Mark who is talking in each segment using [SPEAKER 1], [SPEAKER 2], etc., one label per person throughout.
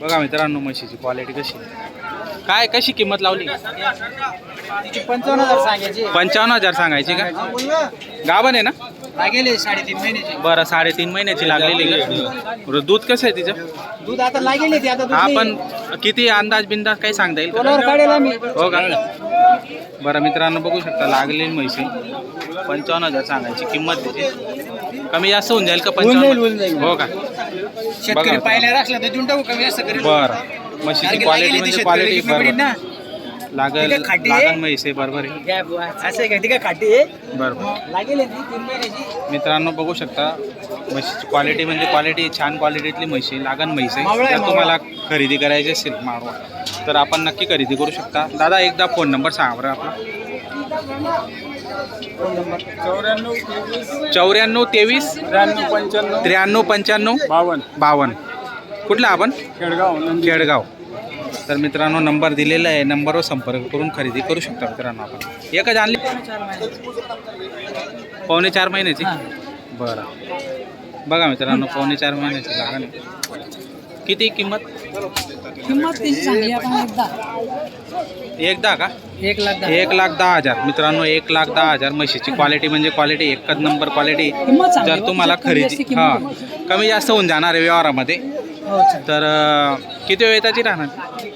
[SPEAKER 1] बघा मित्रांनो म्हशीची क्वालिटी कशी आहे. काय कशी किंमत लावली?
[SPEAKER 2] 55,000 सांगायची.
[SPEAKER 1] 55,000 सांगायची का? गाभण आहे ना?
[SPEAKER 2] लागेल 3.5 महिन्याची.
[SPEAKER 1] बरं 3.5 महिन्याची लागलेली का? बरं दूध कसं आहे तिचं?
[SPEAKER 2] दूध आता लागेल ते आता.
[SPEAKER 1] हा पण किती अंदाज बिंदाज काही सांगता येईल का?
[SPEAKER 2] तोलावर काढेल आम्ही.
[SPEAKER 1] हो का? बरं मित्रांनो बघू शकता लागलेली म्हशी 55,000 सांगायची किंमत त्याची. कमी जास्त होऊन जाईल का?
[SPEAKER 2] होऊन
[SPEAKER 1] 55 हो का?
[SPEAKER 2] शेतकरी पाहिल्यावर असला तर देऊन टाकू कमी जास्त करेल.
[SPEAKER 1] बरं म्हशीची क्वालिटी म्हणजे क्वालिटी बरोबर लागल लागल म्हैस आहे बरोबर आहे.
[SPEAKER 2] असं आहे का? ती काय खाटी आहे?
[SPEAKER 1] बरोबर
[SPEAKER 2] लागेल 3 महिन्याची.
[SPEAKER 1] मित्रांनो बघू शकता म्हशीची क्वालिटी म्हणजे क्वालिटी छान क्वालिटीतली म्हशी लागण म्हैस आहे.
[SPEAKER 2] मावळा आहे,
[SPEAKER 1] जर तुम्हाला खरेदी करायची असेल मारवा तर आपण नक्की खरेदी करू शकता. दादा एकदा फोन नंबर सांगा बरं आपला.
[SPEAKER 2] Phone number
[SPEAKER 1] 94 23 93 95 52. कुठला आपण? खेडगाव. तर मित्रांनो नंबर दिलेला आहे, नंबरवर संपर्क करून खरेदी करू शकता मित्रांनो. आपण एकच आणली 4.5 महिन्याची. बरं बघा मित्रांनो 4.5 महिन्याची लागण आहे. किती किंमत?
[SPEAKER 2] त्याची सांगली आपण
[SPEAKER 1] एकदा का?
[SPEAKER 2] 1,10,000.
[SPEAKER 1] 1,10,000 मित्रांनो 1,10,000 म्हशीची क्वालिटी म्हणजे क्वालिटी एकच नंबर क्वालिटी. जर तुम्हाला खरेदी कमी जास्त होऊन जाणार आहे व्यवहारामध्ये तर किती वेळ त्याची राहणार?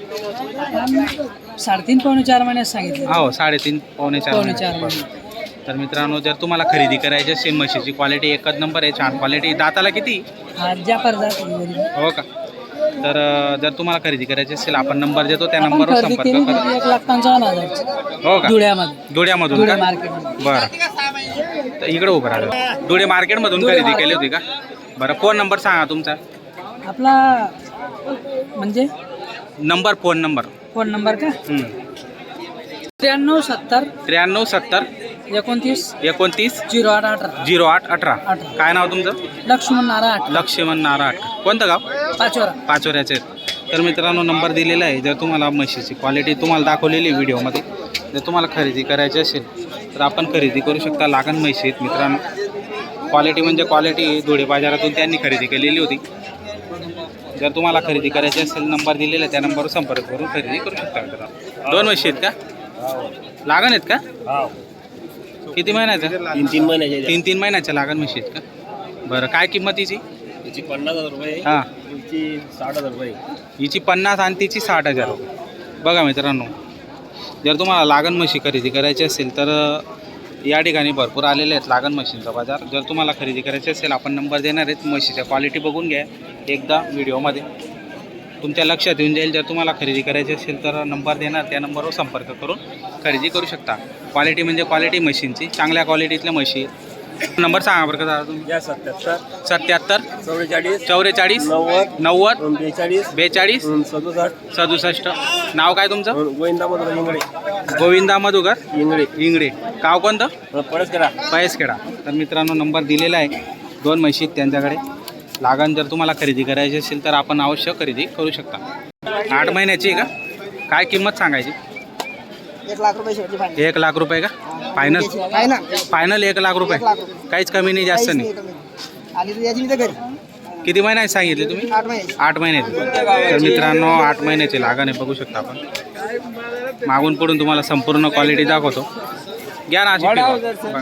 [SPEAKER 2] 3.5 पावणे 4 महिन्यात सांगितलं.
[SPEAKER 1] हो 3.5 पावणे 4. तर मित्रांनो जर तुम्हाला खरेदी करायची असेल म्हशीची क्वालिटी एकच नंबर आहे, छान क्वालिटी. दाताला किती? हो का? तर जर तुम्हाला खरेदी करायची असेल आपण नंबर देतो त्या नंबरवर संपर्क करा.
[SPEAKER 2] 1,55,000.
[SPEAKER 1] हो का?
[SPEAKER 2] धुळ्यामध्ये.
[SPEAKER 1] धुळ्यामधून का?
[SPEAKER 2] मार्केटमध्ये.
[SPEAKER 1] बरं तर इकडे उभं राहिलं. धुळे मार्केटमधून खरेदी केली होती का? बरं फोन नंबर सांगा तुमचा.
[SPEAKER 2] आपला म्हणजे
[SPEAKER 1] नंबर फोन नंबर
[SPEAKER 2] का 93 70
[SPEAKER 1] 93 70
[SPEAKER 2] 29
[SPEAKER 1] 29
[SPEAKER 2] 08 18.
[SPEAKER 1] 08 18. काय नाव तुमचं?
[SPEAKER 2] लक्ष्मण नारायण
[SPEAKER 1] लक्ष्मण नारायण. कोणतं गाव? पाचोऱ्याचे आहेत. तर मित्रांनो नंबर दिलेला आहे. जर तुम्हाला म्हशीची क्वालिटी तुम्हाला दाखवलेली व्हिडिओमध्ये जर तुम्हाला खरेदी करायची असेल तर आपण खरेदी करू शकता. लागण म्हशी आहेत मित्रांनो. क्वालिटी म्हणजे क्वालिटी धुळे बाजारातून त्यांनी खरेदी केलेली होती. जर तुम्हाला खरेदी करायची असेल नंबर दिलेला आहे त्या नंबरवर संपर्क करून खरेदी करू शकता मित्रांनो. 2 म्हशी आहेत का? लागण आहेत का? किती महिन्याच्या?
[SPEAKER 2] 3 महिन्याचे.
[SPEAKER 1] 3 महिन्याच्या लागण म्हशी आहेत का? बरं काय किंमतीची?
[SPEAKER 2] त्याची 50,000 रुपये.
[SPEAKER 1] हां
[SPEAKER 2] त्याची 60,000 रुपये.
[SPEAKER 1] हिची 50 आणि तिची 60,000 रुपये. बघा मित्रांनो जर तुम्हाला लागण म्हशी खरेदी करायची असेल तर या ठिकाणी भरपूर आलेले आहेत लागण म्हशींचा बाजार. जर तुम्हाला खरेदी करायची असेल आपण नंबर देणार आहेत. म्हशीच्या क्वालिटी बघून घ्या एकदा व्हिडिओमध्ये तुमच्या लक्षात येऊन जाईल. जर तुम्हाला खरेदी करायची असेल तर नंबर देणार त्या नंबरवर संपर्क करून खरेदी करू शकता. क्वालिटी म्हणजे क्वालिटी म्हशींची चांगल्या क्वालिटीतल्या म्हशी. नंबर सांगा बरं का दादा तुम्ही. 77 44 90 42 67. नाव काय तुमचं? गोविंदा मधुकर इंगडे. गाव कोणतं? पयसखेडा. तर मित्रांनो नंबर दिलेला आहे. 2 म्हशी त्यांच्याकडे. लागण जर तुम्हाला खरेदी करायची असेल तर आपण अवश्य खरेदी करू शकता. 8 महिन्याची आहे का? काय किंमत सांगायची?
[SPEAKER 2] 1,00,000 रुपये शेवटी फायनल.
[SPEAKER 1] 1,00,000 रुपये का? फायनल 1,00,000 रुपये. काहीच कमी नाही जास्त नाही.
[SPEAKER 2] आली तर याची घरी.
[SPEAKER 1] किती महिन्याची सांगितले तुम्ही? 8 महिन्याची. तर मित्रांनो 8 महिन्याची लागण आहे बघू शकता आपण. मागून पडून तुम्हाला संपूर्ण क्वालिटी दाखवतो. घ्या ना अशी बघा.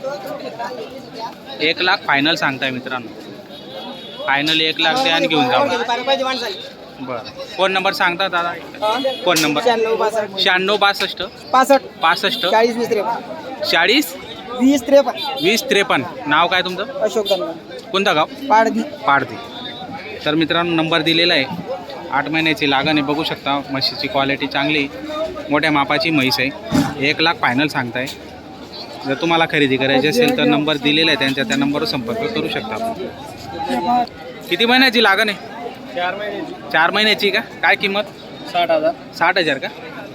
[SPEAKER 1] 1,00,000 फायनल सांगताय मित्रांनो. फायनल 1,00,000 द्या आणि घेऊन जा. बरं फोन नंबर सांगता दादा? Phone number 96 62 65 40 20 53. नाव काय तुमचं?
[SPEAKER 2] अशोक धनगर.
[SPEAKER 1] कोणतं गाव? पाडदी. तर मित्रांनो नंबर दिलेला आहे. 8 महिन्याची लागण आहे बघू शकता. म्हशीची क्वालिटी चांगली मोठ्या मापाची म्हैस आहे. 1,00,000 फायनल सांगताय. जर तुम्हाला खरेदी करायची असेल तर नंबर दिलेला आहे त्यांच्या त्या नंबरवर संपर्क करू शकता. किती महिन्याची लागण आहे? 4 महिन्याची का? काय किंमत? 60,000 का?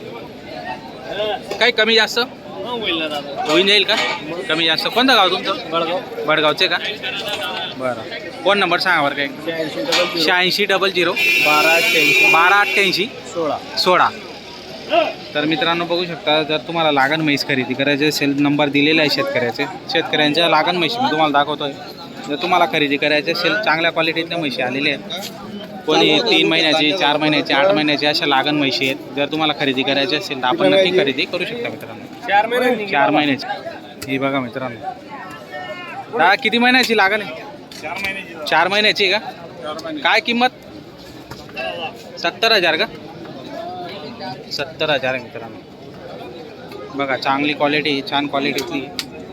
[SPEAKER 1] काही कमी जास्त होऊन जाईल का? कमी जास्त. कोणतं गाव तुमचं? बडगावचे का? बरं फोन नंबर सांगा बरं काय? 86 00 12 88 16. तर मित्रांनो बघू शकता जर तुम्हाला लागण म्हैस खरेदी करायची असेल नंबर दिलेला आहे शेतकऱ्यांच्या लागण म्हशी मी तुम्हाला दाखवतोय. जर तुम्हाला खरेदी करायची असेल चांगल्या क्वालिटीतल्या म्हशी आलेल्या आहेत कोणी 3 महिन्याची, 4 महिन्याची, 8 महिन्याची अशा लागण म्हशी आहेत. जर तुम्हाला खरेदी करायची असेल तर आपण नक्की खरेदी करू शकता मित्रांनो. 4 महिन्याची ही बघा मित्रांनो. दादा किती महिन्याची लागण आहे? 4 महिन्याची का? काय किंमत? 70,000 का? 70,000 आहे मित्रांनो. बघा चांगली क्वालिटी, छान क्वालिटीची.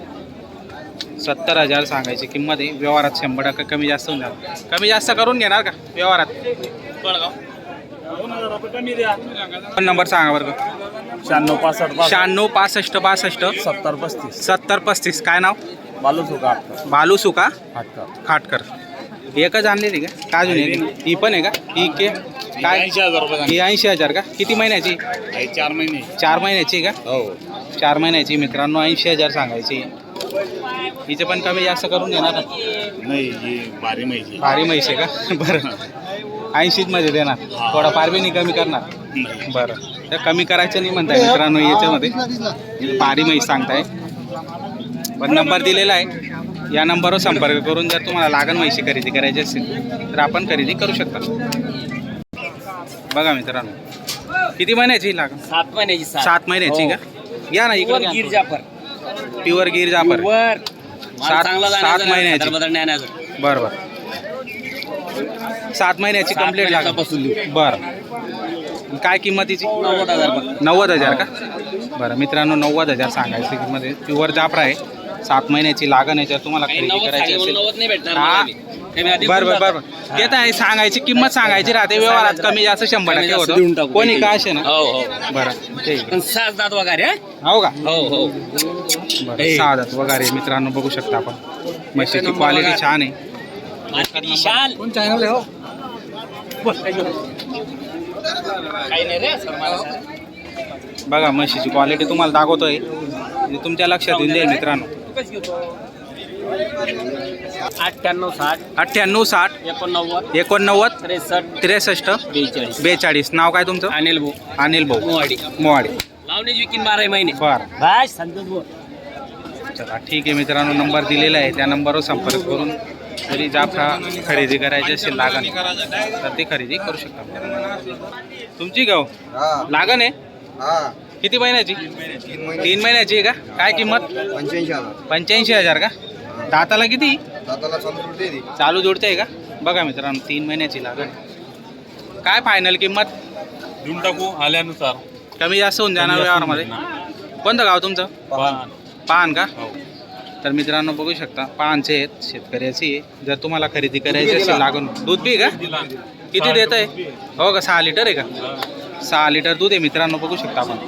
[SPEAKER 1] 70,000 सांगायची किंमत आहे. व्यवहारात 100% कमी जास्त होऊन जाणार. कमी जास्त करून घेणार का व्यवहारात? फोन नंबर सांगा बरं का.
[SPEAKER 2] 96 65
[SPEAKER 1] 96 65 62
[SPEAKER 2] 70 35
[SPEAKER 1] 70 35. काय नाव?
[SPEAKER 2] बालू सुका
[SPEAKER 1] बालू सुका
[SPEAKER 2] फाटका
[SPEAKER 1] खाटकर. एकच आणलेली का? काय अजून एक? ही पण आहे का? ही के काय?
[SPEAKER 2] 80,000 रुपये
[SPEAKER 1] ही 80,000 का? किती महिन्याची?
[SPEAKER 2] 4 महिने
[SPEAKER 1] 4 महिन्याची का?
[SPEAKER 2] हो
[SPEAKER 1] 4 महिन्याची मित्रांनो. 80,000 सांगायची. हिचे पण कमी जास्त करून घेणार ना?
[SPEAKER 2] नाही ही भारी माहिती
[SPEAKER 1] भारी म्हैस आहे का? बरं 80 मध्ये देणार. थोडा फार बी नाही कमी करणार. बरं तर कमी करायचं नाही म्हणताय मित्रांनो. याच्यामध्ये भारी म्हैस सांगताय. पण नंबर दिलेला आहे. या नंबरवर संपर्क करून जर तुम्हाला लागण म्हैशी खरेदी करायची असेल तर आपण खरेदी करू शकता. बघा मित्रांनो किती महिन्याची लागण?
[SPEAKER 2] 7 महिन्याची
[SPEAKER 1] 7 महिन्याची का? या ना इकडे
[SPEAKER 2] गिर जाफर
[SPEAKER 1] प्युअर गिर जाफर.
[SPEAKER 2] वर
[SPEAKER 1] 7 महिन्याची. बरं बरं 7 महिन्याची कंप्लीट लागण. बरं काय किंमतीची? 90,000 का? बरं मित्रांनो 90,000 सांगायची किंमत आहे. प्युअर जाफरा आहे. 7 महिन्याची लागण आहे. जर तुम्हाला खरेदी करायची असेल हा बरं बरं बरं ते तर आहे. सांगायची किंमत सांगायची राहते. व्यवहारात कमी जास्त 100% होतं. कोणी का असे ना. बरं ठीक आहे.
[SPEAKER 2] 7 दात वगैरे
[SPEAKER 1] हो का?
[SPEAKER 2] हो
[SPEAKER 1] बरं 6 दात वगैरे मित्रांनो बघू शकता आपण. म्हशीची क्वालिटी छान आहे.
[SPEAKER 2] विशाल
[SPEAKER 1] कोण चॅनल आहे हो?
[SPEAKER 2] काही नाही रे
[SPEAKER 1] बघा म्हशीची क्वालिटी तुम्हाला दाखवतोय. तुमच्या लक्षात येऊन जाईल मित्रांनो.
[SPEAKER 2] 98 60
[SPEAKER 1] 98 60
[SPEAKER 2] 89
[SPEAKER 1] 89
[SPEAKER 2] 63
[SPEAKER 1] 63 42. नाव काय तुमचं?
[SPEAKER 2] अनिल भाऊ
[SPEAKER 1] अनिल भाऊ
[SPEAKER 2] मोवाडी
[SPEAKER 1] मोवाडी.
[SPEAKER 2] लावण्याची विकीन 12 महिने
[SPEAKER 1] बरं
[SPEAKER 2] बाय संतोष भाऊ
[SPEAKER 1] चला ठीक आहे मित्रांनो. नंबर दिलेला आहे. त्या नंबरवर संपर्क करून जरी जाफरा खरेदी करायची असेल लागण तर ती खरेदी करू शकता. तुमची गाव लागण आहे? किती महिन्याची? 3 महिन्याची आहे का? काय किंमत? 85,000 का? दाताला किती? चालू जोडते आहे का? बघा मित्रांनो 3 महिन्याची लागण. काय फायनल किंमत?
[SPEAKER 2] देऊन टाकू आल्यानुसार
[SPEAKER 1] कमी जास्त होऊन जाणार व्यवहारामध्ये. कोणतं गाव तुमचं? पान का? तर मित्रांनो बघू शकता पानचे आहेत. शेतकऱ्याची आहे. जर तुम्हाला खरेदी करायची असेल लागून. दूध बी का? किती देत आहे? हो का? 6 लिटर आहे का? 6 लिटर दूध आहे मित्रांनो बघू शकता आपण.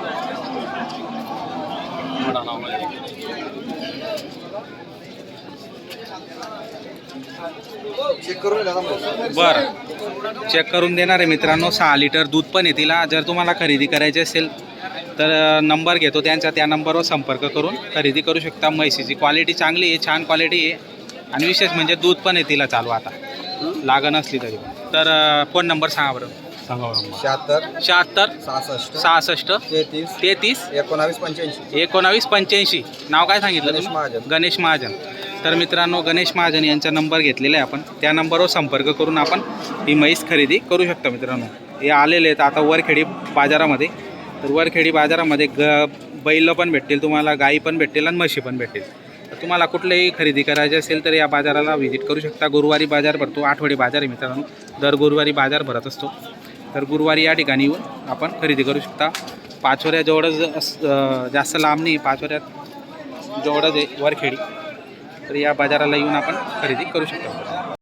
[SPEAKER 1] बरं चेक करून देणार आहे मित्रांनो. 6 लिटर दूध पण आहे तिला. जर तुम्हाला खरेदी करायची असेल तर नंबर घेतो त्यांचा. त्या नंबरवर संपर्क करून खरेदी करू शकता. म्हैसीची क्वालिटी चांगली आहे, छान क्वालिटी आहे. आणि विशेष म्हणजे दूध पण आहे तिला चालू आता लागण असली तरी. तर फोन नंबर सांगा बरं. 76 66 33 19 85. नाव काय सांगितलं तुम्ही? गणेश महाजन. तर मित्रांनो गणेश महाजन यांचा नंबर घेतलेला आहे आपण. त्या नंबरवर संपर्क करून आपण ही म्हैस खरेदी करू शकता मित्रांनो. हे आलेले आहेत आता वरखेडी बाजारामध्ये. तर वरखेडी बाजारामध्ये बैल पण भेटतील तुम्हाला, गाई पण भेटतील आणि म्हशी पण भेटतील. तर तुम्हाला कुठलेही खरेदी करायचे असेल तर या बाजाराला व्हिजिट करू शकता. गुरुवारी बाजार भरतो. आठवडी बाजार आहे मित्रांनो. दर गुरुवारी बाजार भरत असतो. तर गुरुवारी या ठिकाणी येऊन आपण खरेदी करू शकता. पाचोऱ्याजवळच जास्त लांब नाही, पाचोऱ्यात जवळच आहे वरखेडी. तर या बाजाराला येऊन आपण खरेदी करू शकतो.